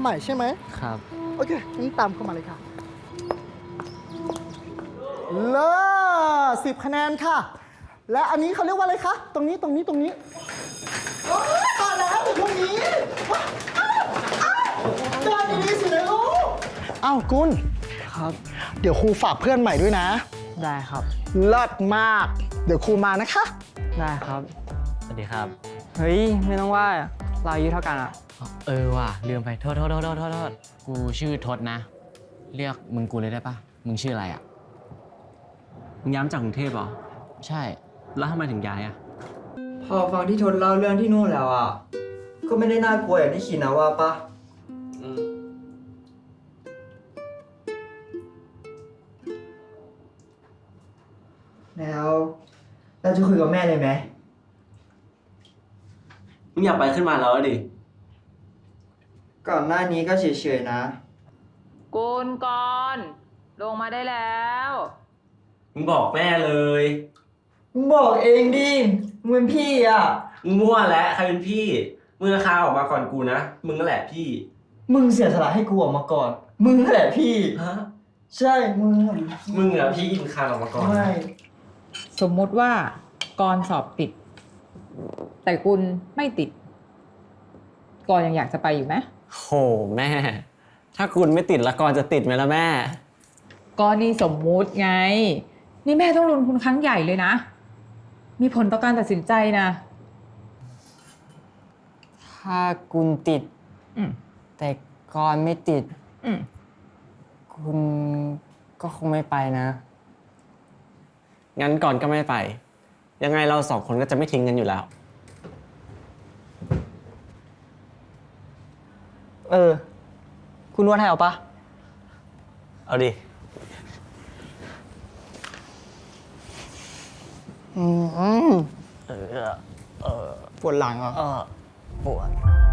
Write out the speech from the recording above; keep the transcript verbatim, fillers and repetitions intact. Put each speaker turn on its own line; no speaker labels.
ใหม่ใช่ไหม
ครับ
โอเคงั้นตามเข้ามาเลยค่ะเลิศสิบคะแนนค่ะ และอันนี้เขาเรียกว่าอะไรคะ ตรงนี้ตรงนี้ตรงนี้โอ๊ยตายแล้วอยู่ตรงนี้เดินดีๆสินะลูกอ้าวกุล
ครับ
เดี๋ยวครูฝากเพื่อนใหม่ด้วยนะ
ได้ครับ
เลิศมาก เดี๋ยวครูมานะคะ
ได้ครับ
สวัสดีครับ
เฮ้ย ไม่ต้องว่าเราอายุเท่ากันอะ
เออว่ะลืมไปโทษโทษโทษโทษโทษโทษกูชื่อทศนะ เรียกมึงกูเลยได้ปะมึงชื่ออะไรอ่ะ
มึงย้ายมาจากกรุงเทพเหรอ
ใช่
แล้วทำไมถึงย้ายอ่ะ
พอฟังที่ทนเล่าเรื่องที่นู่นแล้วอ่ะ ก็ไม่ได้น่ากลัวอย่างที่คิดนะว่าปะแล้วเราจะคุยกับแม่เลยไหม
มึงอยากไปขึ้นมาแล้วดิ
ก่อนหน้านี้ก็เฉยๆนะ
กุลกรลงมาได้แล้ว
มึงบอกแม่เลย
มึงบอกเองดิ มึงเป็นพี่อ่ะ
มึงมั่วแล้วใครเป็นพี่ มึงราคาออกมาก่อนกูนะ มึงนั่นแหละพี่
มึงเสียสละให้กูออกมาก่อน มึงนั่นแหละพี่
ฮะ
ใช่ มึง
มึงอะพี่มึงคานออกมาก่อน
ไม่
สมมุติว่ากรสอบติด แต่กุลไม่ติดกรยังอยากจะไปอยู่ไหม
โหแม่ ถ้าคุณไม่ติดละกรจะติดไหมล่ะแม่
กรนี่สมมุติไง นี่แม่ต้องลงทุนครั้งใหญ่เลยนะ มีผลต่อการตัดสินใจนะ
ถ้าคุณติด
อืม
แต่กรไม่ติด
อืม
คุณก็คงไม่ไปนะ งั้นก่อนก็ไม่ไป ยังไงเราสองคนก็จะไม่ทิ้งกันอยู่แล้ว
เออ คุณนวดให้เอาปะ
เอาดิ
อืม
เออ เออ
ปวดหลังเหรอ
เออปวด